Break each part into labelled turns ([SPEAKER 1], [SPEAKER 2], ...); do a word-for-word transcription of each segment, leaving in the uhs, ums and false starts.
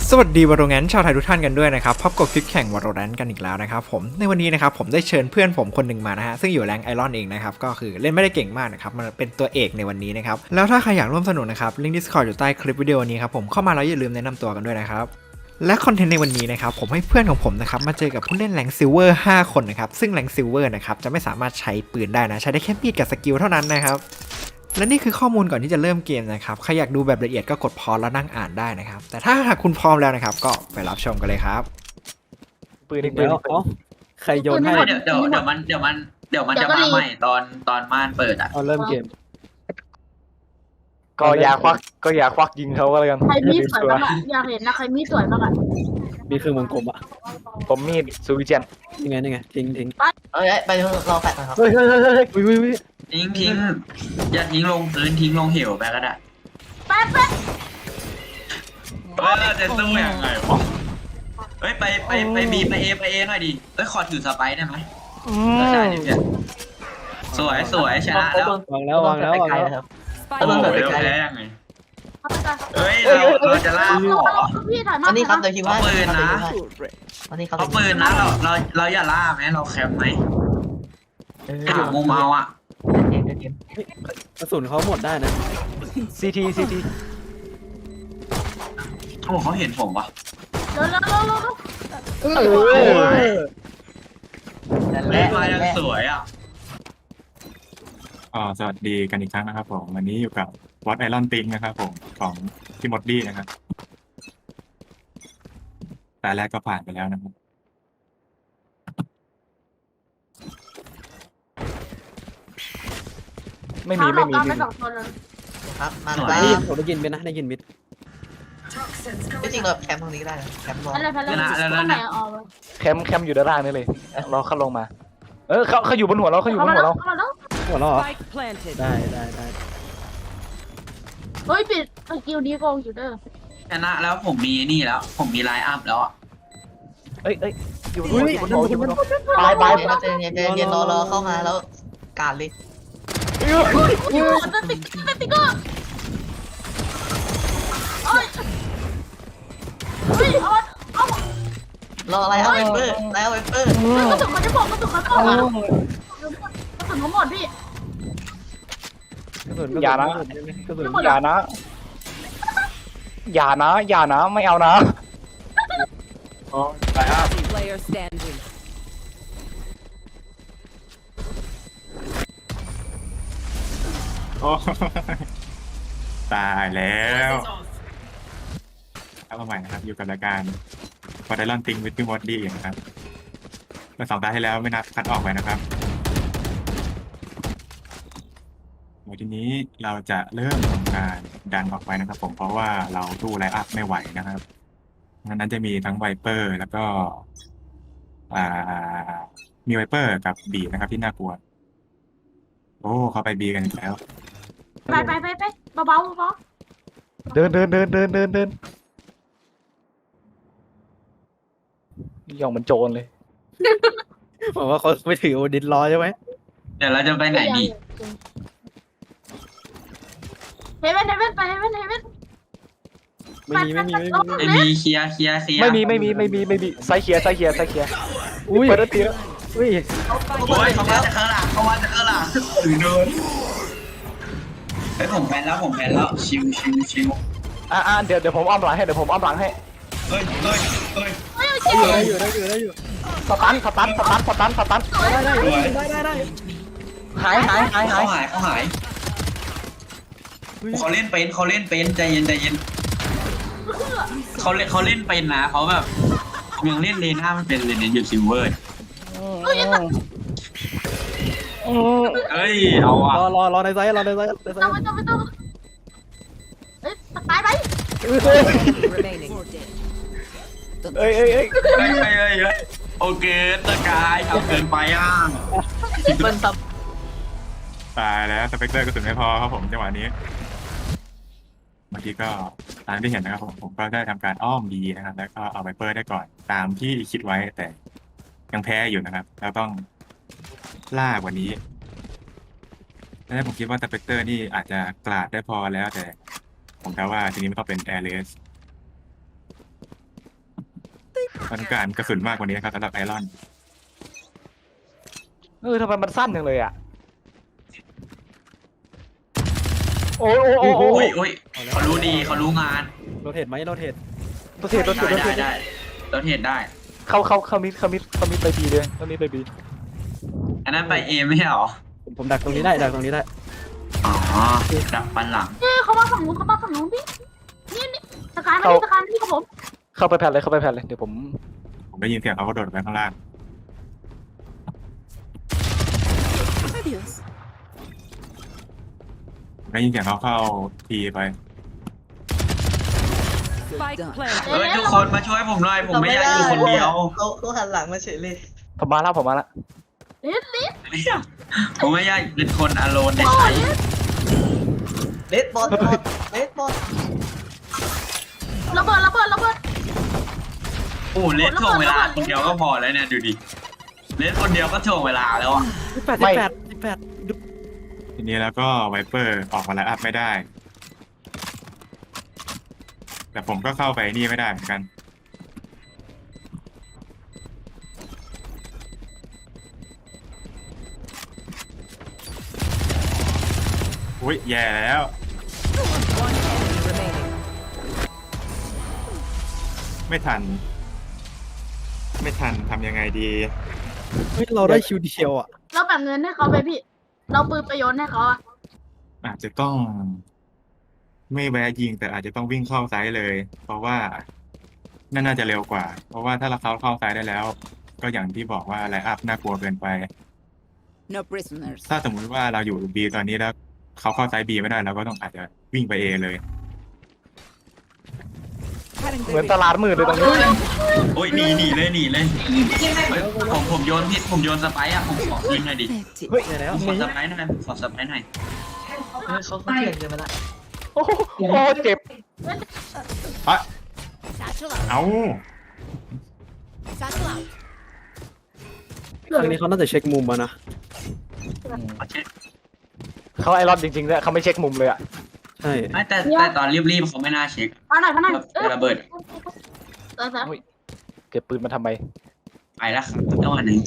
[SPEAKER 1] สวัสดีวอโรแรนต์ชาวไทยทุกท่านกันด้วยนะครับพบกับคลิปแข่งวอโรแรนต์กันอีกแล้วนะครับผมในวันนี้นะครับผมได้เชิญเพื่อนผมคนหนึ่งมานะฮะซึ่งอยู่แรงไอรอนเองนะครับก็คือเล่นไม่ได้เก่งมากนะครับมันเป็นตัวเอกในวันนี้นะครับแล้วถ้าใครอยากร่วมสนุกนะครับลิงก์ Discord อยู่ใต้คลิปวิดีโอนี้ครับผมเข้ามาแล้วอย่าลืมแนะนำตัวกันด้วยนะครับและคอนเทนต์ในวันนี้นะครับผมให้เพื่อนของผมนะครับมาเจอกับผู้เล่นแรงซิลเวอร์ห้าคนนะครับซึ่งแรงซิลเวอร์นะครับจะไม่สามารถใช้ปืนได้นะใช้ได้แค่มีดกับสกิลเท่านั้นนะครับและนี่คือข้อมูลก่อนที่จะเริ่มเกมนะครับใครอยากดูแบบละเอียดก็กดพอสแล้วนั่งอ่านได้นะครับแต่ถ้าหากคุณพร้อมแล้วนะครับก็ไปรับชมกันเลยครับ
[SPEAKER 2] ปืนอีกปืน
[SPEAKER 3] แล้ว
[SPEAKER 2] อีกปืน
[SPEAKER 3] เอ้าใครโยนให้
[SPEAKER 4] เดี๋ยวเดี๋ยวเดี๋ยวมันเดี๋ยวมันเดี๋ยวมันจะมาใหม่ตอนตอนม่านเปิดอ่ะ
[SPEAKER 3] เอาเริ่มเกม
[SPEAKER 2] ก็อย่าควักก็อย่าควักยิงเขาก็แล้วกัน
[SPEAKER 5] ใครมีดสวยบ้างอะอยากเห็นนะใครมีดสวยบ้างอะ
[SPEAKER 3] มีเครื่องวงกลมอ่ะ
[SPEAKER 2] ผมมีดซูวิเจน
[SPEAKER 3] ยังไงยังไงทิ้งทิ้ง
[SPEAKER 6] เอ้ยไปรอแปดนะครับ
[SPEAKER 3] เฮ้ยเฮ้ยเฮ้ยเฮ้ยวิววิว
[SPEAKER 4] ทิ้งทิ้งอย่าทิ้งลงพื้นทิ้งลงเหวไปก็ได้
[SPEAKER 5] แป๊บแป๊บ
[SPEAKER 4] เออจะสู้ยังไงวะเฮ้ยไปไปไปบีไปเอไปเอหน่อยดิเฮ้ยขอถือสไปได้ไหมได้ดิเนี่ยสวยสวยชนะแล้ว
[SPEAKER 3] วางแล้ววางแล้ววาง
[SPEAKER 6] ไกล
[SPEAKER 3] แล้ว
[SPEAKER 6] นะครับ
[SPEAKER 4] โอ้โหเดี๋ยวแพ้ยังไง
[SPEAKER 5] เอาไปก่อน
[SPEAKER 4] เฮ้ยเราเราจะล่าหมอ
[SPEAKER 5] พี่ถ่ายมา
[SPEAKER 6] อันนี้ครับเดี๋ยวคิวให้
[SPEAKER 4] เอาปืนนะ
[SPEAKER 6] อันนี้ครับ
[SPEAKER 4] เขาปืนนะเราเราเราอย่าล่าไหมเราแคมป์ไหมหามุมเอาอ่ะ
[SPEAKER 6] เกมเกม
[SPEAKER 3] กระสุนเขาหมดได้นะ
[SPEAKER 2] ซีทีซีที
[SPEAKER 4] โอ้เขาเห็นผมปะ
[SPEAKER 5] เร็วเร็วเร็วเร็ว
[SPEAKER 3] เออ
[SPEAKER 6] นั่นแห
[SPEAKER 4] เล่
[SPEAKER 6] ละ
[SPEAKER 4] นมายังสวยอ่ะ
[SPEAKER 7] อ่าสวัสดีกันอีกครั้งนะครับผมวันนี้อยู่กับวอตไอรอนติงนะครับผมของพี่มดดี้นะครับแต่แรกก็ผ่านไปแล้วนะครับ
[SPEAKER 2] ไม่
[SPEAKER 5] เท้า
[SPEAKER 2] มี
[SPEAKER 5] เรา
[SPEAKER 2] ไม่มี
[SPEAKER 5] ตามไป
[SPEAKER 2] ไม่มี
[SPEAKER 5] สองคนเลย
[SPEAKER 6] ครับมา
[SPEAKER 3] ได้
[SPEAKER 6] ได้
[SPEAKER 3] ยินผมได้ยินมิดนะได้ยินมิด
[SPEAKER 6] จริงเราแคมป์ตรงนี้ก็ได้แคมป์รอ
[SPEAKER 5] ไปเลยไปเลยข้างไหนเอาไว้
[SPEAKER 2] แคมป์แคมป์อยู่ด้านล่างนี่เลยรอเขาลงมา เออเขาเขาอยู่บนหัวเราเขาอยู่บ
[SPEAKER 5] เข้าน มา
[SPEAKER 2] หัว
[SPEAKER 5] แล้ว
[SPEAKER 2] เรา
[SPEAKER 5] เข้ามาแล้ว
[SPEAKER 3] หัวเราะเหรอ
[SPEAKER 8] Spike planted.
[SPEAKER 3] ได้ได้ได้
[SPEAKER 5] เฮ้ยปิดสกิลนี้โกงอยู่เด้อ
[SPEAKER 4] ชนะแล้วผมมีนี่แล้ว ผมมีไลน์อัพแล้วอ่ะ
[SPEAKER 2] เอ้ยเอ้ยอยู่บนหัวอยู่บนหัวอยู่บนหัวบาย
[SPEAKER 6] ไป
[SPEAKER 2] บาย
[SPEAKER 6] ไปเจนเย็นเจนเย็นรอรอเข้ามาแล้วการเลย
[SPEAKER 5] อยู่นั่นติ๊กนั่นติ๊กเกอร์เอ้ยเฮ้ยเอาเอา
[SPEAKER 6] รออะไรครับเวเปอร์แล้วเวเปอร์
[SPEAKER 5] กระสุนมันจะบอกกระสุนมันบอกอะกระสุนเขาหมดพี่
[SPEAKER 3] กระสุน
[SPEAKER 2] อย่านะ
[SPEAKER 3] กระสุน
[SPEAKER 2] อย่านะ อย่านะ อย่านะ ไม่เอานะ
[SPEAKER 8] Player standing.
[SPEAKER 7] โอ้ ตายแล้วเข้ามาใหม่นะครับอยู่กับรายการวอตไอรอนติงวิดพี่มดดี้นะครับเมื่อสองตาที่แล้วไม่นับคัดออกไปนะครับในทีนี้เราจะเริ่มทำการดันออกไปนะครับผมเพราะว่าเราตู้ไลน์อัพไม่ไหวนะครับดังนั้นจะมีทั้งไวเปอร์แล้วก็อ่ามีไวเปอร์กับบีนะครับที่น่ากลัวโอ้เขาไปบีกันอีกแล้ว
[SPEAKER 5] ไปไปไปไปเบาเบาเบา
[SPEAKER 2] เดินเดินเดินเดินเดินเดินย่องเหมันโจรเลย
[SPEAKER 3] บอกว่าเขาไปถือโอดินรอใช่ไหม
[SPEAKER 4] เดี๋ยวเราจะไปไหนดี
[SPEAKER 5] เฮเว่นเฮเว่นไปเฮเว่นเฮเว่น
[SPEAKER 3] ไม่มีไม่มีไม่มี
[SPEAKER 4] ไอบีเคลียร์เคลียร์เคลียร์
[SPEAKER 2] ไม่มีไม่มีไม่มีไม่มีไซเคียไซเคียไซเคีย
[SPEAKER 3] อุ้ย
[SPEAKER 2] เปิดแล้วตีแล้ว
[SPEAKER 3] อุ้ย
[SPEAKER 4] โอ้ยเขามาจากข้างหลังเขามาจากข้างหลังถือโดนไอยผมแพ้แล้วผมแพ้แล้วชิวชิวชิว
[SPEAKER 2] อ่าอ่าเดี๋ยวเดี๋ยวผมอ้อมหลังให้เดี๋ยวผมอ้อมหลังให้
[SPEAKER 4] เฮ้ยเฮ้ยเฮ้ย
[SPEAKER 3] ได้อยู่ได้อยู่ได้อยู่
[SPEAKER 2] สตันสตันสตันสตันสตัน
[SPEAKER 3] ได้ได้ได้ได้ได้
[SPEAKER 2] หายหายหายหา
[SPEAKER 4] เขา
[SPEAKER 2] ย
[SPEAKER 4] หายเขาหายเขาเล่นเป็นเขาเล่นเป็นใจเย็นใจเย็นเขาเล่นเขาเล่นเป็นนะเขาแบบยังเล่นเลน่ามันเป็นเลยเนี่ยอยู่ซิลเวอร์เอ้ยเอาอ่ะ
[SPEAKER 3] รอรอรอในไซส์รอในไซส์ในไซ
[SPEAKER 5] ต้อง
[SPEAKER 3] ส์
[SPEAKER 5] ไม่ต้องไม่ต้องเอ้ยตายไป
[SPEAKER 8] Remaining.
[SPEAKER 2] เอ้ยเอ้ยเอ้ย
[SPEAKER 4] เฮ้ยเฮ้ยเฮ้ยเฮ้ยโอเคตะกายทำเกินไปอ่ะ
[SPEAKER 6] เปิ้ลซับ
[SPEAKER 7] ตายแล้วสเปกเตอร์กระสุนไม่พอครับผมจังหวะนี้เมื่อกี้ก็ตามที่เห็นนะครับผมผมก็ได้ทำการอ้อมบีนะครับแล้วก็เอาไวเปอร์ได้ก่อนตามที่คิดไว้แต่ยังแพ้อยู่นะครับแล้วต้องล่ากว่านี้ แล้วผมคิดว่าสเปกเตอร์นี่อาจจะกลาดได้พอแล้วแต่ผมคิดว่าทีนี้มันต้องเป็นแอร์เลสต้องการกระสุนมากกว่านี้นะครับสำหรับไอรอน
[SPEAKER 2] เออทำไมมันสั้นจังเลยอ่ะโอ้ยโอ้ยโอ้ย
[SPEAKER 4] โอ้
[SPEAKER 2] โอ้
[SPEAKER 4] ย
[SPEAKER 2] ย
[SPEAKER 4] โอ้ยเขารู้ดีเขารู้งาน
[SPEAKER 3] โรเทตไหมโรเทต
[SPEAKER 2] ตัวเทตัวเท
[SPEAKER 4] ได้
[SPEAKER 2] ตัวเท
[SPEAKER 4] ได้ได้เราเห็นได้
[SPEAKER 2] เข้าเข้าเข้ามิดเข้ามิดเข้ามิดไปบีเลยเข้ามิดไปบี
[SPEAKER 4] อันนั้นไปเอไม่ใช่หรอ
[SPEAKER 3] ผมผมดักตรงนี้ได้ดักตรงนี้ได้
[SPEAKER 4] อ๋อดักปันหลัง
[SPEAKER 5] เอ้ยเขามาฝั่งนู้นเขามาฝั่งนู้นพี่นี่นี่สกายมาที่สกายมาที่กับผม
[SPEAKER 2] เข้าไปแผ่นเลยเข้าไปแผ่นเลยเดี๋ยวผม
[SPEAKER 7] ผมได้ยินเสียงเขากระโดดไปข้างล่างผมได้ยินเสียงเขาเข้าทีไป
[SPEAKER 8] Spike planted.
[SPEAKER 4] เฮ้ยทุกคนมาช่วยผมหน่อยผมไม่อยากอยู่คนเดียว
[SPEAKER 6] เขาเขาหันหลังมาเฉยเลย
[SPEAKER 2] ผมมาแล้วผมมาแล้ว
[SPEAKER 5] ลิสลิส
[SPEAKER 4] ไม่อยากผมไม่อยากเป็นคนอโลนใน
[SPEAKER 5] โอ้
[SPEAKER 4] ไท
[SPEAKER 5] ย
[SPEAKER 4] ย
[SPEAKER 6] เลดบอลบอลเลดบอล
[SPEAKER 5] ระเบิดระเบิดระเบิด
[SPEAKER 4] โอ้เลสถ่วงเวลาคนเดียวก็พอแล้วเนี่ยดูดิเลสคนเดียวก็ถ่วงเวลาแล้วอ่ะ
[SPEAKER 3] สิบแปดสิบแปดสิบแปด
[SPEAKER 7] ทีนี้แล้วก็ไวเปอร์ออกมาแล้วอัพไม่ได้ แต่ผมก็เข้าไปนี่ไม่ได้เหมือนกัน อุ้ยแย่แล้ว
[SPEAKER 8] One enemy remaining.
[SPEAKER 7] ไม่ทัน ไม่ทันทำยังไงดี
[SPEAKER 3] เฮ้ยเราได้คิวเดียวอ่ะ
[SPEAKER 5] เราแบ่งเงินให้เขาไปพี่ เราปืนประโยชน์ให้เขาอะ
[SPEAKER 7] อาจจะต้อง ไม่แวะยิงแต่อาจจะต้องวิ่งเข้าไซส์เลย เพราะว่านั่นน่าจะเร็วกว่า เพราะว่าถ้าเราเข้าเข้าไซส์ได้แล้ว ก็อย่างที่บอกว่าไลน์อัพน่ากลัวเกินไป
[SPEAKER 8] No prisoners.
[SPEAKER 7] ถ้าสมมุติว่าเราอยู่บีตอนนี้แล้วเขาเข้าไซส์บีไม่ได้เราก็ต้องอาจจะวิ่งไปเอเลย
[SPEAKER 2] เหมือนตลาดมืดเลยตรงนี้
[SPEAKER 4] โอ้ยหนีหนีเลยหนีเลยเฮ้ยผมผมโยนผิดผมโยนสไปร์อ่ะผมขอยิงหน่อยดิ
[SPEAKER 2] เฮ้ย
[SPEAKER 3] แย่แล้ว
[SPEAKER 4] ผมขอสไปร์หน่อยผมขอสไปร์หน่อย
[SPEAKER 6] เออเขาเขาเถื่อนเกินไปละ
[SPEAKER 2] โอ้โหโอ้เจ็บ
[SPEAKER 7] อะเอา
[SPEAKER 3] ครั้งนี้เขาน่าจะเช็คมุมมานะ
[SPEAKER 4] ขอเช็ค
[SPEAKER 2] เขาไอรอนจริงๆเลยเขาไม่เช็คมุมเลยอ่ะ
[SPEAKER 3] ใช่
[SPEAKER 4] ไม่แต่แต่ตอนรีบๆเขาไม่น่าเช็ค
[SPEAKER 5] มาหน่อยมาหน่อยเออ
[SPEAKER 4] ระเบิด
[SPEAKER 5] เออเออ
[SPEAKER 2] เก็บปืนมาทำไม
[SPEAKER 4] ไปแล้วครับจังหวะนี้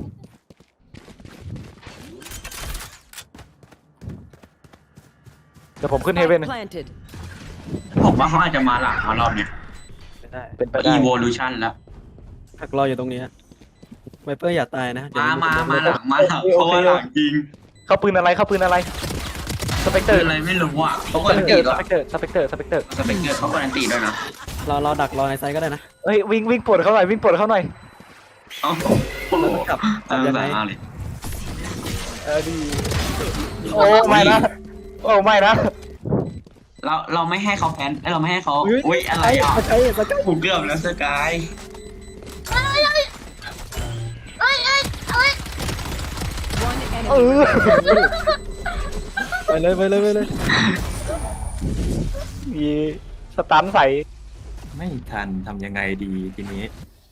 [SPEAKER 2] เดี๋ยวผมขึ้นเฮเว่น
[SPEAKER 8] Spike planted.
[SPEAKER 4] ผมว่าเขาอาจจะมาหลังมารอบเนี้ย
[SPEAKER 3] ไม่ได้
[SPEAKER 2] เป็นไปได้
[SPEAKER 4] evolution แล้ว
[SPEAKER 3] หักรออยู่ตรงนี้ไวเปอร์อย่าตายนะเดี๋ยว
[SPEAKER 4] มามามาหลังมาหลังเพราะว่าหลังจริง
[SPEAKER 2] เขาปืนอะไรเขาปืนอะไรสเปกเตอ
[SPEAKER 4] คือ
[SPEAKER 2] ร์
[SPEAKER 4] อะไรไม่รู้อ่ะเขา
[SPEAKER 2] ส
[SPEAKER 4] การัน
[SPEAKER 2] เป
[SPEAKER 4] ตี
[SPEAKER 2] กเตอ
[SPEAKER 4] ด้
[SPEAKER 2] ร์
[SPEAKER 4] วย
[SPEAKER 2] สเปกเตอร์สเปกเตอร์สเปกเตอร์
[SPEAKER 4] สเปกเกอร์เขาการันตีด้วยนะ
[SPEAKER 3] เราเราดักรอในไซต์ก็ได้นะ
[SPEAKER 2] เฮ้ยวิ่งวิ่งปวดเขาหน่อยวิ่งปวดเขาหน่อย
[SPEAKER 4] เอ้า
[SPEAKER 3] แล้วก็กลับกลั
[SPEAKER 4] เอา
[SPEAKER 3] บยัง
[SPEAKER 4] แบ
[SPEAKER 3] ไง
[SPEAKER 4] บเอาเลย
[SPEAKER 2] เออดีโอ้ไม่นะโอ้ไม่นะ
[SPEAKER 4] เราเราไม่ให้เขาแพนเราไม่ให้เขา
[SPEAKER 3] อุ๊ย
[SPEAKER 4] อุ้ยอะไรอ่ะ
[SPEAKER 3] ใช่สกัด
[SPEAKER 4] ผมเกือบแล้วสกาย
[SPEAKER 5] เอ้ยเอ้ยเอ้ยเอ้ย
[SPEAKER 8] One
[SPEAKER 2] เอ
[SPEAKER 8] enemy.
[SPEAKER 2] อ
[SPEAKER 3] ไปเลยไปเลยไปเลย
[SPEAKER 2] มีสตันใส่
[SPEAKER 7] ไม่ทันทำยังไงดีทีนี้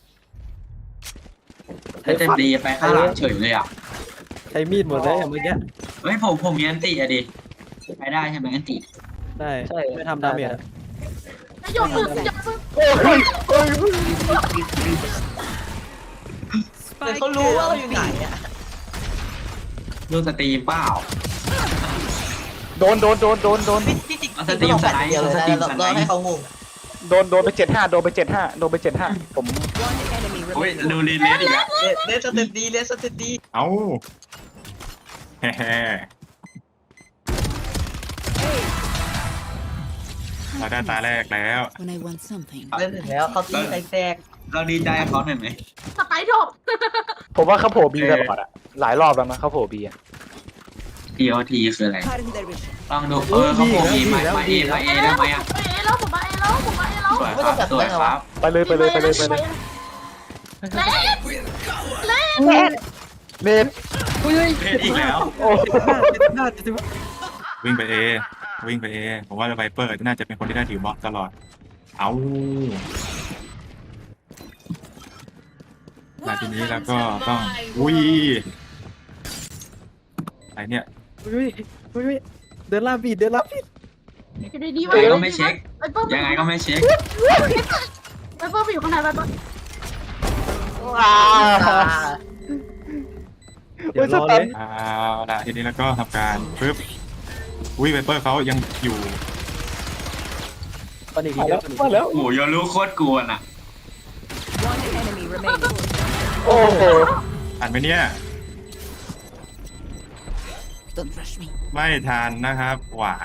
[SPEAKER 4] ถ้าจะดีไปข้างหลังเฉยเลยอ่ะ
[SPEAKER 3] ใช้มีดหมดเลยเมื่อกี้
[SPEAKER 4] เฮ้ยผมผมมีอันติอะดิไปได้ใช่ไหมอันติ
[SPEAKER 3] ได้ไม่ทำดาเมจอะ
[SPEAKER 5] โยนปืนโยนปืน
[SPEAKER 2] โอ้ยโอ้ย
[SPEAKER 6] แต่
[SPEAKER 8] Spike
[SPEAKER 6] เขารู้ว่าเราอยู่
[SPEAKER 8] down
[SPEAKER 6] ไหน
[SPEAKER 8] B.
[SPEAKER 6] อ่ะ
[SPEAKER 4] ดูสตรีมเปล่า
[SPEAKER 2] โดนโดนโดนโดนโดน
[SPEAKER 6] ที่ที่จริง
[SPEAKER 4] เอาสตรีม
[SPEAKER 6] ต้องแบบเดียวเลย
[SPEAKER 4] สตรีม
[SPEAKER 6] นะ
[SPEAKER 4] สไลด์
[SPEAKER 6] เราให้เขางง
[SPEAKER 2] โดนโดนไปเจ็ดห้าโดนไปเจ็ดห้าโดนไปเจ็ดห้าผม
[SPEAKER 8] One enemy
[SPEAKER 4] โอ้ย
[SPEAKER 8] remaining.
[SPEAKER 4] ดูรีเลสอีกแล้ว
[SPEAKER 6] เลสเลสสเตตดีเลสสเตตดี
[SPEAKER 7] เอาแฮ่ๆเราได้ตาแรกแล้ว
[SPEAKER 8] When I want something.
[SPEAKER 6] เล่นถึงแล้วเขาตีไซแตก
[SPEAKER 4] เราดีใจกับเขาหน่อยไหม
[SPEAKER 5] สไปร์โดบ
[SPEAKER 2] ผมว่าเขาโผล่บีตลอดอะหลายรอบแล้วนะเขาโผล่บีอะ
[SPEAKER 4] ทีโอทีคืออะไร
[SPEAKER 8] Cutting their vision.
[SPEAKER 4] ลองดูเออเขาโผล่มีมามาเอมาเอได้ไหมอ่ะ
[SPEAKER 5] ไปเอแล้วผมมาเอแล้วผมมาเอแล้ว
[SPEAKER 4] สวยครับสวยครับ
[SPEAKER 2] ไปเลยไปเลยไปเลยไปเลย
[SPEAKER 5] เล่นเล่น
[SPEAKER 2] เล่น
[SPEAKER 4] เล่นอีกแล้ว
[SPEAKER 2] โอ้
[SPEAKER 3] หน้าจะ
[SPEAKER 7] วิ่งไปเอวิ่งไปเอผมว่าไวเปอร์น่าจะเป็นคนที่ได้ถือบล็อกตลอด เอามาทีนี้แล้วก็ต้องอุ้ยอะไรเนี่ย
[SPEAKER 3] อุ้ยอุ้ยเดินลาบีดเดินลาบีด
[SPEAKER 5] อยู่ดีๆ
[SPEAKER 4] ยังไงก็ไม่เช็ค
[SPEAKER 5] ไปเปิ้ล
[SPEAKER 4] ยังไงก็ไม่เช็ค
[SPEAKER 5] ไปเปิ้ลไปอยู่ข้างในไปเปิ้ล
[SPEAKER 2] ว้า
[SPEAKER 3] เดี๋ยวรอเลย
[SPEAKER 7] เอาละทีนี้แล้วก็ทำการปึ๊บอุ้ยไวเปอร์เขายังอยู่
[SPEAKER 3] ตอนนี้
[SPEAKER 2] มา
[SPEAKER 3] ที
[SPEAKER 2] แล้
[SPEAKER 3] เดียว ว
[SPEAKER 2] มาแล้ว
[SPEAKER 4] โอ้โหโยรู้โคตรกวนอ่ะ
[SPEAKER 8] One enemy remaining.
[SPEAKER 2] โอ้โห
[SPEAKER 7] ทันไหมเนี่ย
[SPEAKER 8] Don't rush me.
[SPEAKER 7] ไม่ทันนะครับหวาย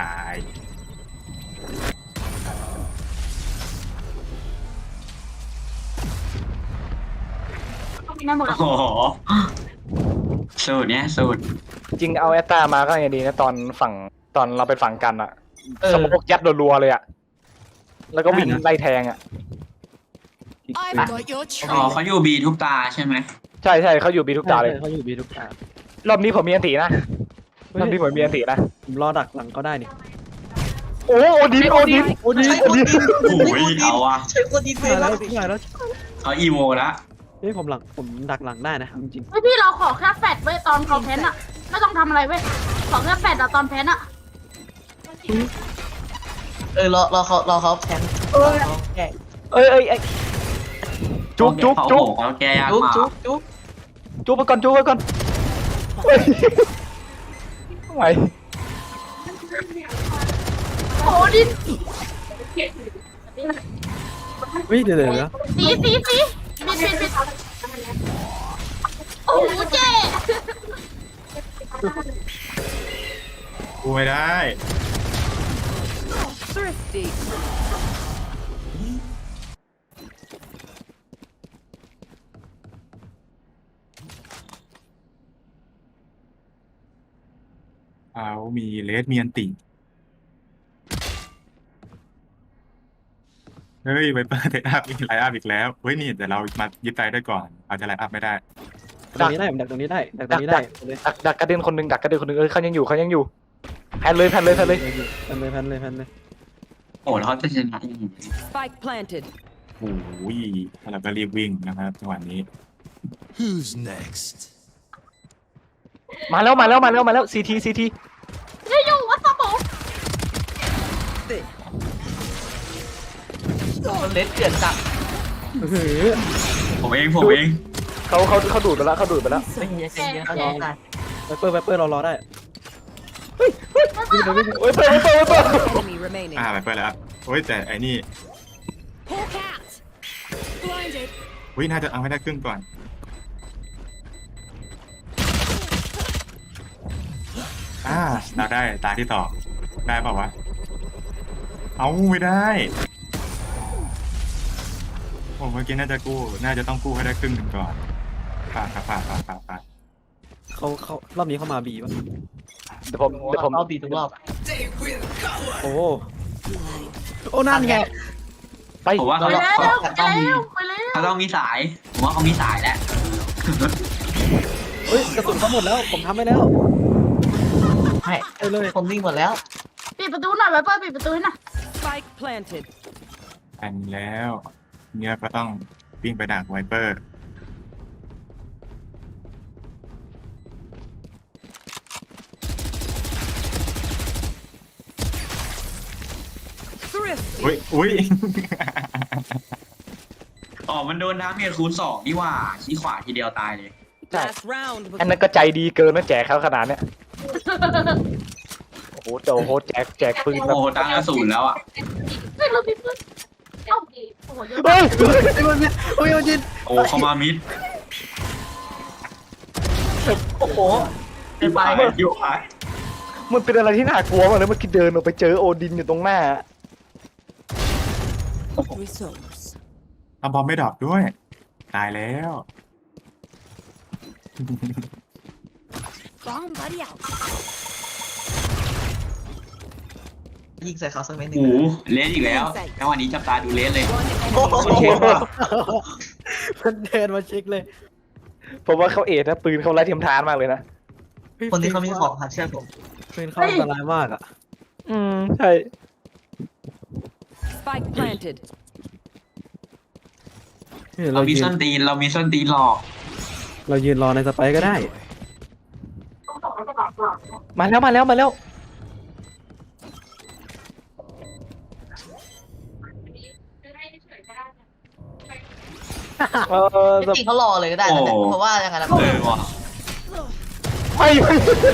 [SPEAKER 5] นั่นหมด
[SPEAKER 4] โอ้โหสูตรเนี้ยสูตร
[SPEAKER 2] จริงเอาแอตตามาก็ยังดีนะตอนฝั่งตอนเราเป็นฝั่งกันอะ
[SPEAKER 6] เออ
[SPEAKER 2] สมมติยัดรัวๆเลยอะแล้วก็วิ่งไล่แทงอะ
[SPEAKER 8] I've got your
[SPEAKER 4] อ๋อ
[SPEAKER 8] trail.
[SPEAKER 4] เขาอยู่บีทุกตาใช่ไหม
[SPEAKER 2] ใช่ใช่เขาอยู่บีทุกตาเลย
[SPEAKER 3] เขาอยู่บีทุกตาร
[SPEAKER 2] อบนี้ผมมีอันตีนะรอบนี้ผมมีอันตีนะ
[SPEAKER 3] ผมรอดักหลังก็ได้นี่
[SPEAKER 2] โอ้โอดินโอดิน
[SPEAKER 3] โอ้ดี
[SPEAKER 6] ใช้โอดิน
[SPEAKER 4] โอ้ยเอาอะ
[SPEAKER 6] ใช้โอดินไป
[SPEAKER 3] มา
[SPEAKER 6] แล้
[SPEAKER 3] แล้ว วมาแล้ว
[SPEAKER 4] เขาอีโวละ
[SPEAKER 3] เฮ้ยผมหลังผมดักหลังได้นะจริง
[SPEAKER 5] เฮ้ยพี่เราขอแค่แฟดไว้ตอนเขาแพนอะไม่ต้องทำอะไรเว้ยขอแค่แฟดอะตอนแพนอะ
[SPEAKER 6] เออรอรอเขารอเขาแทง
[SPEAKER 2] เอ้ยเอ้ยเอ้ยจุ๊บจุ๊บ
[SPEAKER 4] เขา
[SPEAKER 2] จุ๊บ
[SPEAKER 4] โหเขาแกยาก
[SPEAKER 6] จุ๊บ
[SPEAKER 4] มาก
[SPEAKER 6] จุ๊บจุ๊บ
[SPEAKER 2] จุ๊บไปก่อนจุ๊บไปก่อนเฮ้ยทำไม
[SPEAKER 5] โอ้ดิน
[SPEAKER 3] ๆวิเดี๋ยวเดี๋ยวเดี๋ยว
[SPEAKER 5] สีสีสีบิดบิดบิดโอ้โหเจ๊
[SPEAKER 7] กูไม่ได้
[SPEAKER 8] Thrifty.
[SPEAKER 7] เขามีเลสมีอันติเฮ้ยไวเปอร์ไลน์อัพมีไลน์อัพอีกแล้วเฮ้ยนี่แต่เรามายึดใจได้ก่อนอาจจะไลน์อัพไม่ได้
[SPEAKER 3] ตรงนี้ได้ผมดักตรงนี้ได้ดักตรงนี้ได้เลย
[SPEAKER 2] ดักดักกระเด็นคนหนึ่งดักกระเด็นคนหนึ่งเอ้ยเขายังอยู่เขายังอยู่แพนเลยแพนเลยแพนเลย
[SPEAKER 3] แพนเลยแพนเลยแพนเลย
[SPEAKER 4] โอ้แล้วเขาจะชนะยังไง
[SPEAKER 8] Spike planted.
[SPEAKER 7] โอ้ยแล้วเราก็รีบวิ่งนะครับจังหวะนี้
[SPEAKER 9] Who's next?
[SPEAKER 2] มาแล้วมาแล้วมาแล้วมาแล้วซีทีซีที
[SPEAKER 5] เฮ้ยอยู่วัดสมอง
[SPEAKER 6] มันเล็ดเกลื่อนจับ
[SPEAKER 3] เฮ้ย
[SPEAKER 4] ผมเองผมเอง
[SPEAKER 2] เขาเขาเขาดูดไปแล้วเขาดูดไปแล้ว
[SPEAKER 6] ไม่เยอะใจเยอะเขาได้
[SPEAKER 3] ไวเปอร์ไวเปอร์เรารอได้
[SPEAKER 2] เฮ้ยเปิดเปิดเปิดเปิด
[SPEAKER 8] Enemy remaining.
[SPEAKER 7] อ่าไวเปอร์แล้วโอ้ยแต่ไอ้นี่
[SPEAKER 8] Hawk out. Blinded.
[SPEAKER 7] วิน่าจะเอาให้ได้ครึ่งก่อนอ่าเราได้ตาที่ต่อได้เปล่าวะเอาไม่ได้ผมเมื่อกี้น่าจะกู้น่าจะต้องกู้ให้ได้ครึ่งหนึ่งก่อนผ่านครับผ่านผ่านผ่านผ่าน
[SPEAKER 3] เขาเขารอบนี้เขามาบีป่ะ
[SPEAKER 2] เดี๋ยวผมเดี๋ยวผม
[SPEAKER 6] เอาบีทุกรอบ
[SPEAKER 3] โอ้โอ้นั่นไง
[SPEAKER 2] ไป
[SPEAKER 4] ผมว่า
[SPEAKER 5] ไป
[SPEAKER 4] เขา
[SPEAKER 5] แล้ว
[SPEAKER 4] เขา
[SPEAKER 5] ไป
[SPEAKER 4] ต้องมี
[SPEAKER 5] แล้วไปแล้ว
[SPEAKER 4] เขาต้องมีสายผมว่าเขามีสายแล้ว
[SPEAKER 3] เฮ้ยกระสุนเขาหมดแล้วผมทำไปแล้ว
[SPEAKER 6] ให้
[SPEAKER 3] ไปเลย
[SPEAKER 6] คนวิ่งหมดแล้ว
[SPEAKER 5] ปิดประตูหน่อยไวเปอร์ปิดประตูให้หน่อย
[SPEAKER 8] Spike planted.
[SPEAKER 7] แต่งแล้วเนี่ยก็ต้องวิ่งไปดักไวเปอร์
[SPEAKER 8] Thrifty.
[SPEAKER 7] อุ้ยอุ้ย
[SPEAKER 4] อ๋อมันโดนดาเมจคูณสองนี่หว่าชี้ขวาทีเดียวตายเลย
[SPEAKER 8] Last round.
[SPEAKER 2] อันนั้นก็ใจดีเกินนะแจกเขาขนาดเนี้ยโอ้โหโจโหแจกแจกปืน
[SPEAKER 4] โอ้
[SPEAKER 2] แบบ
[SPEAKER 4] โหตั้งกระสุนแล้วอ่ะ
[SPEAKER 5] เฮ้ยเราปิดประตูเอ้าโอ้โหเยอะ
[SPEAKER 2] เฮ้ย
[SPEAKER 3] โอ้ยโอ้ยจิน
[SPEAKER 4] โอ้เขามามิด
[SPEAKER 2] โอ้โห
[SPEAKER 4] ที่ไปอยู่อ่ะ
[SPEAKER 2] มันเป็นอะไรที่น่ากลัวมากเลยเมื่อกี้เดินออกไปเจอโอดินอยู่ตรงหน้า
[SPEAKER 8] Resource.
[SPEAKER 7] ทำบอมไม่ดรอปด้วย ตายแล้ว
[SPEAKER 8] Bomb buddy out.
[SPEAKER 6] ยิงใส่เขาสักเม็ดหนึ่
[SPEAKER 4] โอ้
[SPEAKER 6] ง
[SPEAKER 4] โหเลสอีกแล้วจังหวะนี้จับตาดูเลสเลย
[SPEAKER 8] One
[SPEAKER 6] โอ้
[SPEAKER 8] enemy.
[SPEAKER 6] โห
[SPEAKER 2] เช็คว่า
[SPEAKER 3] มันเดินมาเช็คเลย
[SPEAKER 2] ผมว่าเขาเอ็ดนะปืนเขาไร้เทียมทานมากเลยนะ
[SPEAKER 6] คนที่เขามีของครับเชื่อผม
[SPEAKER 3] เป็นเขาอันตรายมากอ่ะ
[SPEAKER 2] อืมใช่
[SPEAKER 8] Spike planted.
[SPEAKER 3] เนี่ย
[SPEAKER 4] เรา
[SPEAKER 3] เรา
[SPEAKER 4] มี
[SPEAKER 3] ยื
[SPEAKER 4] ส้
[SPEAKER 3] น
[SPEAKER 4] นตีนเรามีส้นตีนหลอก
[SPEAKER 3] เรายืนรอในสไปร์ก็ได้
[SPEAKER 2] มาแล้วมาแล้วมาแล้ว
[SPEAKER 3] เออ
[SPEAKER 6] จริงๆเขารอเลยก็ได้นะแต่เพราะว่ายังไงล่ะ
[SPEAKER 4] เออว่ะ
[SPEAKER 3] ไม่ไม่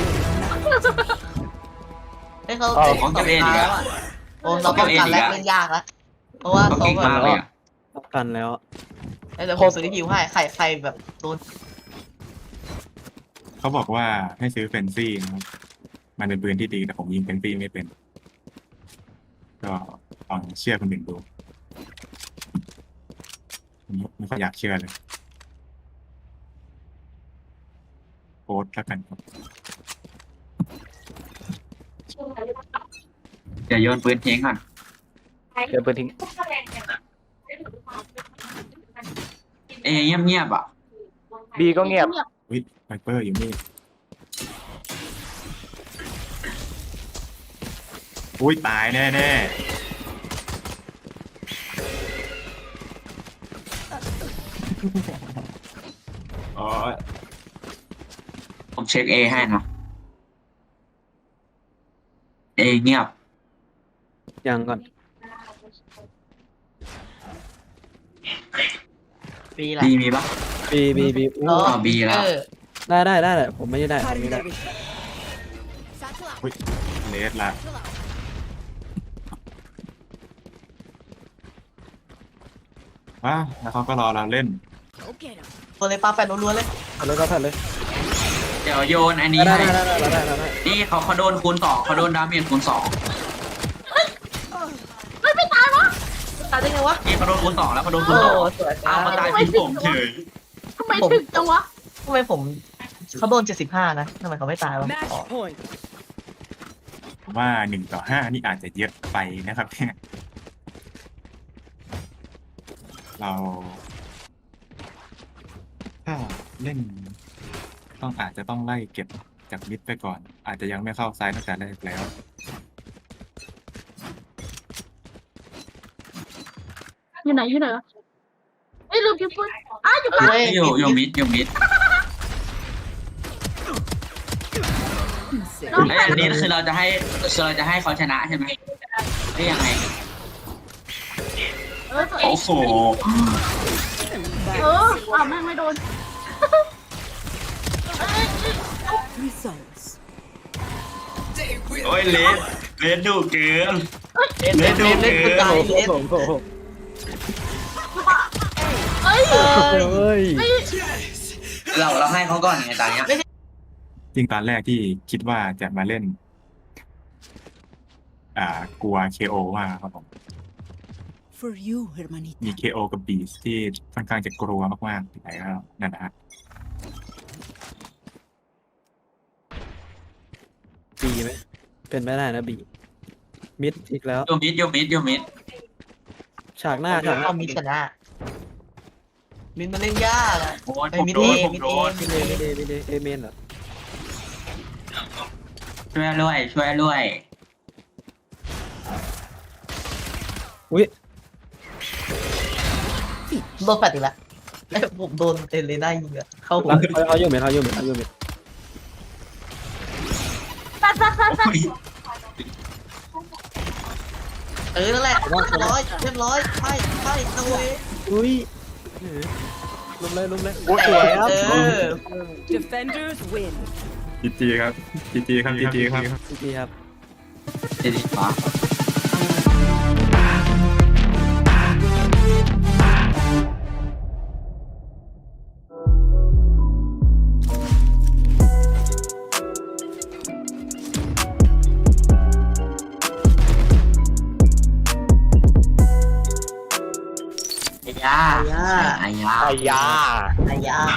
[SPEAKER 6] ให้เขา
[SPEAKER 4] ของเก็บเองอีกอะ
[SPEAKER 6] โอ้เราป้องกันแล้วเล่นยากแล้วเพราะว่า
[SPEAKER 4] เขา
[SPEAKER 6] เขา
[SPEAKER 4] เก่ง
[SPEAKER 6] แบ
[SPEAKER 4] มาก
[SPEAKER 6] บ
[SPEAKER 4] เลยอะ
[SPEAKER 3] ป้องกันแล้ว
[SPEAKER 6] เดี๋ยวผมซื้อที่พิวให้ใครใครแบบโดน
[SPEAKER 7] เขาบอกว่าให้ซื้อเฟนซี่นะครับมันเป็นปืนที่ดีแต่ผมยิงเฟนซี่ไม่เป็น ก็ลองเชื่อคนอื่นดูผมไม่ค่อยอยากเชื่อเลยโค้ดแล้วกันครับ
[SPEAKER 4] เดี๋ยวโยนปืนทิ้งก่อน
[SPEAKER 2] เดี๋ยวปืนทิ้ง
[SPEAKER 4] เอเงียบเงียบๆอ่ะ
[SPEAKER 2] บีก็เงียบ
[SPEAKER 7] วิทไวเปอร์อยู่นี่อุ้ยตายแน่แน่ อ๋อ
[SPEAKER 4] ผมเช็คเอให้นะเอเงียบ
[SPEAKER 3] ยังก่อน
[SPEAKER 6] ปีละ
[SPEAKER 4] บีมีปะ
[SPEAKER 3] บีบีบี
[SPEAKER 6] อ๋อ
[SPEAKER 4] อ๋อ B แล้ว
[SPEAKER 6] เออ
[SPEAKER 3] ได้ได้ได้แหละผมไม่ได้ผมไม่ได้
[SPEAKER 7] อุ้ยเลสละว้าแล้วเขาก็รอเราเล่น
[SPEAKER 6] ตัวเลยปลาแฟนล้วนๆเลย
[SPEAKER 3] เอาเลยก็ทันเลย
[SPEAKER 4] เดี๋ยวโยนอันนี้
[SPEAKER 3] ได้
[SPEAKER 4] ให้
[SPEAKER 3] ได้ได้ได้ได้ได้
[SPEAKER 4] นี่เขาเขาโดนคูณสองเขาโดนดาเมจคูณสอง
[SPEAKER 5] เฮ้ยไม่ตายวะ
[SPEAKER 6] ตายได้ไงวะ
[SPEAKER 4] นี่เขาโดนคูณสองแล้วเขาโดนคู
[SPEAKER 6] โอ้
[SPEAKER 4] ณสอง
[SPEAKER 6] สวย
[SPEAKER 4] อ้าวเขาตายทิ้งผมเฉย
[SPEAKER 5] ทำไมถึงจังวะ
[SPEAKER 6] ทำไมผมเขาโดนเจ็ดสิบห้านะทำไมเขาไม่ตายวะ
[SPEAKER 8] Match point.
[SPEAKER 7] ผมว่าหนึ่งต่อห้านี่อาจจะเยอะไปนะครับเนี่ยเราถ้าเล่น ต้องอาจจะต้องไล่เก็บจากมิดไปก่อน อาจจะยังไม่เข้าซ้ายตั้งแต่แรกแล้ว
[SPEAKER 5] อยู่ไหนอยู่ไหนวะเอ้ยลืมพิมพ์ปืนอ้าวอยู่กลาง
[SPEAKER 6] เฮ้ย
[SPEAKER 4] อยู่อยู่มิดอยู่มิด
[SPEAKER 5] น้อง
[SPEAKER 4] ไอ้ยอันนี้คือเราจะให้คือเราจะให้เขาชนะใช่ไหมได้ยังไง
[SPEAKER 5] เออตัวเอง
[SPEAKER 4] โอ้โห
[SPEAKER 5] เอออ้าวแม่งไม่โดนเอ้ย
[SPEAKER 8] Results.
[SPEAKER 4] โอ้ยเลสเลสดุเกิน
[SPEAKER 6] เล่นเล่นเล่นเล่นคือตายเล่น
[SPEAKER 3] โอ้โห
[SPEAKER 5] เอ้ย
[SPEAKER 6] เออ
[SPEAKER 3] เฮ้ย
[SPEAKER 5] เอ้ย
[SPEAKER 4] เราเราให้เขาก่อนไงตอนเนี้ย
[SPEAKER 7] จริงตอนแรกที่คิดว่าจะมาเล่น อ่ากลัว เค โอ มากครับผม
[SPEAKER 8] For you,
[SPEAKER 7] มี
[SPEAKER 8] hermanita.
[SPEAKER 7] เค โอ กับบีสที่ค่อนข้างจะกลัวมากๆแต่ก็นั่นนะฮะ
[SPEAKER 3] บีไหมเป็นไม่ได้นะบีมิดอีกแล้ว
[SPEAKER 4] อยู่มิดอยู่มิดอยู่มิด
[SPEAKER 3] ฉากหน้าฉากหน้า
[SPEAKER 6] เอามิดชนะมิดมันเล่นยากอะ
[SPEAKER 4] โอ้ย
[SPEAKER 6] ไอ้
[SPEAKER 4] ผม
[SPEAKER 6] มิด
[SPEAKER 4] โด
[SPEAKER 6] เอน
[SPEAKER 4] ผม
[SPEAKER 6] มิด
[SPEAKER 4] โด
[SPEAKER 6] เอน
[SPEAKER 4] น
[SPEAKER 3] ไม่ได้ไม่ได้ไม่ได้เอเมนเหรอ
[SPEAKER 4] ช่วยด้วยช่วยด้วย
[SPEAKER 3] อุ้ย
[SPEAKER 6] โดนแฟดอีกแล้วไอ้ผมโดนเอเลน่ายิงอะเข้าหัว
[SPEAKER 3] รักเขาเขาอยู่เมนเขาอยู่เมนเขาอยู่เมน
[SPEAKER 5] แป๊ดแป๊ดแป๊ดแป๊ด
[SPEAKER 4] โอ้ย
[SPEAKER 6] เออนั่นแหละเรียบร้อยเรียบร้อยไปไปเอาเว้ย
[SPEAKER 3] อุ้ยเออลุมเลยลุมเลยโอ้สวยครับ
[SPEAKER 6] เออ
[SPEAKER 8] Defenders win.
[SPEAKER 7] จีจีครับจีจีครับจีจีครับ
[SPEAKER 3] จริงๆครับ
[SPEAKER 4] เดี๋ยวดีฟ้า ไอ้ยาไอ้ยา
[SPEAKER 2] ไอ้ยา
[SPEAKER 6] อายา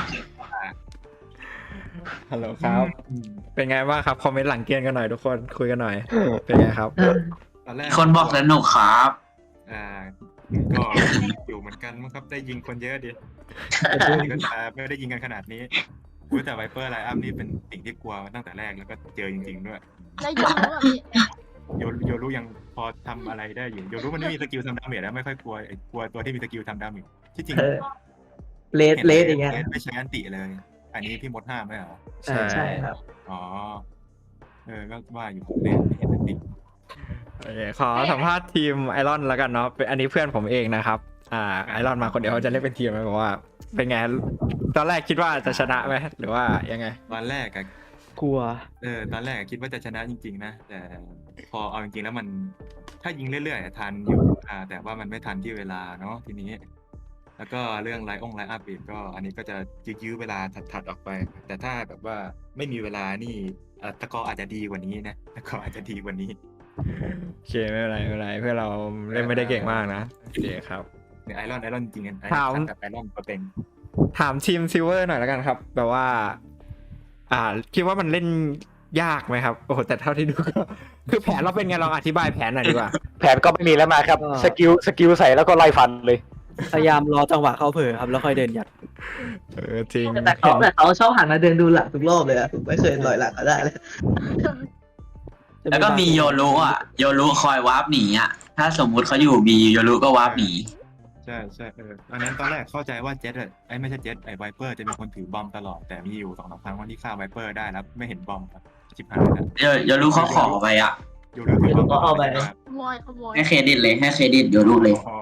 [SPEAKER 1] ฮัลโหลครับ เป็นไงบ้างครับ คอมเมนต์หลังเกมกันหน่อยทุกคน คุยกันหน่อย เป็นไงครับ
[SPEAKER 7] ตอนแรก
[SPEAKER 4] คนบอกสนุกครับ
[SPEAKER 7] อ่าก็อยู่เหมือนกันมั้งครับได้ยิงคนเยอะดิก็จะไม่ได้ยิงกันขนาดนี้อุ๊ยแต่ไวเปอร์ไลอัพนี่เป็นสิ่งที่กลัวมาตั้งแต่แรกแล้วก็เจอจริงๆด้วย
[SPEAKER 5] ได้ยินแล้วอ่ะพี่
[SPEAKER 7] โยโยรู้ยังพอทำอะไรได้อยู่โยรู้มันไม่มีสกิลทำดาเมจแล้วไม่ค่อยกลัวไอ้กลัวตัวที่มีสกิลทำดาเมจที่จริง
[SPEAKER 6] เออเลสเลสอย่างเงี้ย
[SPEAKER 7] เลสไม่ใช้อันติเลย อันนี้พี่มดห้ามไหมเหรอ
[SPEAKER 6] ใช่ใช่ครับ
[SPEAKER 7] อ๋อเออก็ว่าอยู่เลสไม่เห็นอันติ
[SPEAKER 1] โอเคขอสัมภาษณ์ทีมไอรอนแล้วกันเนาะเป็นอันนี้เพื่อนผมเองนะครับอ่าไอรอนมาคนเดียวเขาจะเล่นเป็นทีมไหมบอกว่าเป็นไงตอนแรกคิดว่าจะชนะไหมหรือว่ายังไง
[SPEAKER 7] ตอนแรกอะ
[SPEAKER 3] กลัว
[SPEAKER 7] เออตอนแรกอะคิดว่าจะชนะจริงๆนะแต่พอเอาจริงๆแล้วมันถ้ายิงเรื่อยๆอะทันอยู่อ่าแต่ว่ามันไม่ทันที่เวลาเนาะทีนี้ แล้วก็เรื่องไลน์องไลน์อัพอีกก็อันนี้ก็จะยื้อๆเวลาถัดๆออกไป แต่ถ้าแบบว่าไม่มีเวลานี่เอ่อตะกออาจจะดีกว่านี้นะตะกออาจจะดีกว่านี้
[SPEAKER 1] โอเคไม่เป็นไรไม่เป็นไรเพื่อนเราเล่นไม่ได้เก่งมากนะโอเคครับ
[SPEAKER 7] เนี่ยไอรอนไอรอนจริงๆกันไอ
[SPEAKER 1] ถาม
[SPEAKER 7] รอนกับไอรอนตัวเต็ง
[SPEAKER 1] ถามทีมซิลเวอร์หน่อยแล้วกันครับแบบว่า อ่าคิดว่ามันเล่นยากไหมครับโอ้โหแต่เท่าที่ดูก็คือแผนเราเป็นไงลองอธิบายแผนหน่อยดีกว่า
[SPEAKER 2] แผนก็ไม่มีแล้วมาครับ สกิลสกิลใส่แล้วก็ไล่ฟันเลย
[SPEAKER 3] พยายามรอจังหวะเขาเผลอครับแล้วค่อยเดินยัด
[SPEAKER 1] เออจริง
[SPEAKER 6] แต่เขาแต่เขาชอบหันมาเดินดูหลังทุกรอบเลยอะผมไม่เคยลอยหลังก็ได้เลย
[SPEAKER 4] แล้วก็มีโยรุอ่ะโยรุคอยวาร์ปหนีอ่ะถ้าสมมุติเขาอยู่บีโยรุก็วาร์ปหนี
[SPEAKER 7] ใช่ใช่เออตอนนั้นตอนแรกเข้าใจว่าเจ็ตอะไอ้ไม่ใช่เจ็ตไอ้ไวเปอร์จะเป็นคนถือบอมตลอดแต่มีอยู่สองสามครั้งวันที่ฆ่าไวเปอร์ได้แล้วไม่เห็นบอมครับชิบหายแล้ว
[SPEAKER 4] โยโยรุเขาขอไปอ่ะ
[SPEAKER 7] โยรุถือบอม
[SPEAKER 6] ก็เอาไป
[SPEAKER 7] ครับ
[SPEAKER 5] ขโมยขโมย
[SPEAKER 4] ให้เครดิตเลยให้เครดิตโยรุเลย
[SPEAKER 7] อ๋อ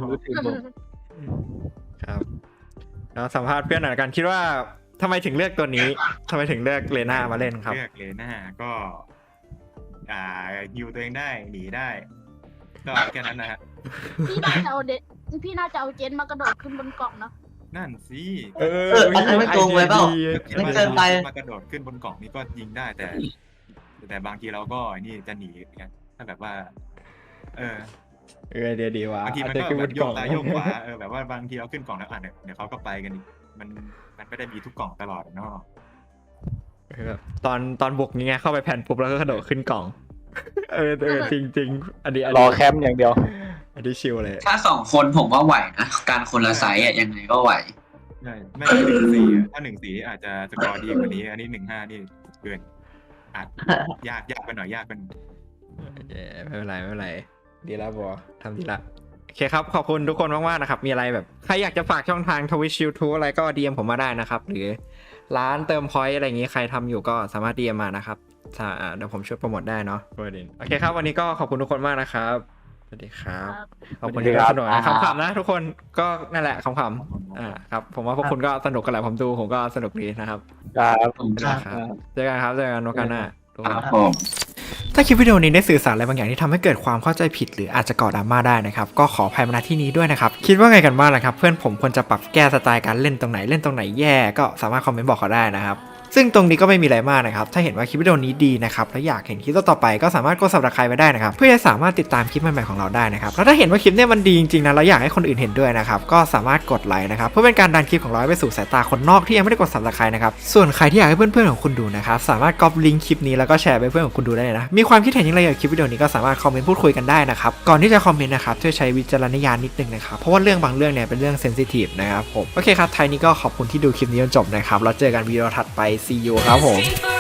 [SPEAKER 1] ครับแล้วสัมภาษณ์เพื่อนหน่อยละกันคิดว่าทำไมถึงเลือกตัวนี้ทำไมถึงเลือกเลน่ามาเล่นครับ
[SPEAKER 7] เลือกเลน่าก็อ่าฮิวตัวเองได้หนีได้ ก็แค่นั้นนะฮะ
[SPEAKER 5] พี่น่าจะเอาเดพี่น่าจะเอาเจนมากระโดดขึ้นบนกล่องนะ
[SPEAKER 7] นั่นสิ
[SPEAKER 1] เออ
[SPEAKER 6] เอออันนั้นไม่โกงไว้เปล่า ไม่เกินไป
[SPEAKER 7] มากระโดดขึ้นบนกล่องนี่ก็ยิงได้แต่ แต่บางทีเราก็นี่จะหนีอย่างเงี้ยถ้าแบบว่า เออ
[SPEAKER 1] เออเดียวดีว่ะ
[SPEAKER 7] บางทีมัน
[SPEAKER 1] อาจ
[SPEAKER 7] ก็
[SPEAKER 1] จะขึ้น
[SPEAKER 7] แบบ
[SPEAKER 1] น
[SPEAKER 7] โย
[SPEAKER 1] กล่อก ง
[SPEAKER 7] ซ้ายโยกขวาเออแบบว่าบางทีเราขึ้นกล่องแล้วอ่ะเดี๋ยวเดี๋ยวเขาก็ไปกันอีกมันมันไม่ได้มีทุกกล่องตลอดเนาะ
[SPEAKER 1] เออแบบตอนตอนบุกนี่ไงเข้าไปแผ่นปุ๊บแล้วก็กระโดดขึ้นกล่อง เออเออจริงจริงๆอันนี้อัน
[SPEAKER 2] ร
[SPEAKER 1] นี้
[SPEAKER 2] อแคมป์อย่างเดียว
[SPEAKER 1] อันนี้ชิลเลย
[SPEAKER 4] ถ้าสองคนผมว่าไหวนะการคนละไซส์อ่ะยังไงก็ไหว
[SPEAKER 7] ใช่ไม่ใช่หนึ่งสี่อะถ้าหนึ่งสี่อาจจะสกอร์ดีกว่านี้ อันนี้หนึ่งห้านี่เกินอาจยากยากไปหน่อยยากไปหน่อย
[SPEAKER 1] เย้ไม่เป็นไรไม่เป็นไรดีแล้วบอทำดีละโอเคครับขอบคุณทุกคนมากๆนะครับมีอะไรแบบใครอยากจะฝากช่องทางทวิชยูทูบอะไรก็ดีเอ็มผมมาได้นะครับหรือร้านเติมพอยต์อะไรอย่างงี้ใครทำอยู่ก็สามารถดีเอ็มมานะครับถ้าอ่าเดี๋ยวผมช่วยโปรโมทได้เนาะโอเคครับวันนี้ก็ขอบคุณทุกคนมากนะครับสวัสดีครับขอบคุณที่สนุกนะขำๆนะทุกคนก็นั่นแหละขำๆอ่าครับผมว่าพวกคุณก็สนุกกันแหละผมดูผมก็สนุกดีนะครับ
[SPEAKER 2] ครับ
[SPEAKER 1] ครับเจอกันครับเจอกันโอกาสหน้าทุกคน
[SPEAKER 4] ครับผม
[SPEAKER 1] ถ้าคลิปวิดีโอนี้ได้สื่อสารอะไรบางอย่างที่ทำให้เกิดความเข้าใจผิดหรืออาจจะก่อดราม่าได้นะครับก็ขออภัยมาณที่นี้ด้วยนะครับคิดว่าไงกันบ้างล่ะครับเพื่อนผมควรจะปรับแก้สไตล์การเล่นตรงไหนเล่นตรงไหนแย่ก็สามารถคอมเมนต์บอกเขาได้นะครับซึ่งตรงนี้ก็ไม่มีอะไรมากนะครับถ้าเห็นว่าคลิปวิดีโอนี้ดีนะครับและอยากเห็นคลิปต่อๆไปก็สามารถกด ซับสไครบ์ ไว้ได้นะครับเพื่อจะสามารถติดตามคลิปใหม่ๆของเราได้นะครับแล้วถ้าเห็นว่าคลิปเนี้ยมันดีจริงๆนะแล้วอยากให้คนอื่นเห็นด้วยนะครับก็สามารถกดไลค์นะครับเพื่อเป็นการดันคลิปของเราไปสู่สายตาคนนอกที่ยังไม่ได้กด ซับสไครบ์ นะครับส่วนใครที่อยากให้เพื่อนๆของคุณดูนะครับสามารถก๊อปลิงก์คลิปนี้แล้วก็แชร์ไปเพื่อนของคุณดูได้เลยนะมีความคิดเห็นอย่างไรเกี่ยวกับคลิปวิดีโอนี้ก็สามารถคอมเมนต์พูดคุยกันได้นะครับก่อนที่จะคอมเมนต์นะครับช่วยใช้วิจารณญาณนิดนึงนะครับเพราะว่าเรื่องบางเรื่องเนี่ยเป็นเรื่องเซนซิทีฟนะครับผมโอเคครับท้ายนี้ก็ขอบคุณที่ดูคลิปนี้จนจบนะครับแล้วเจอกันวิดีโอถัดไป see you ครับผม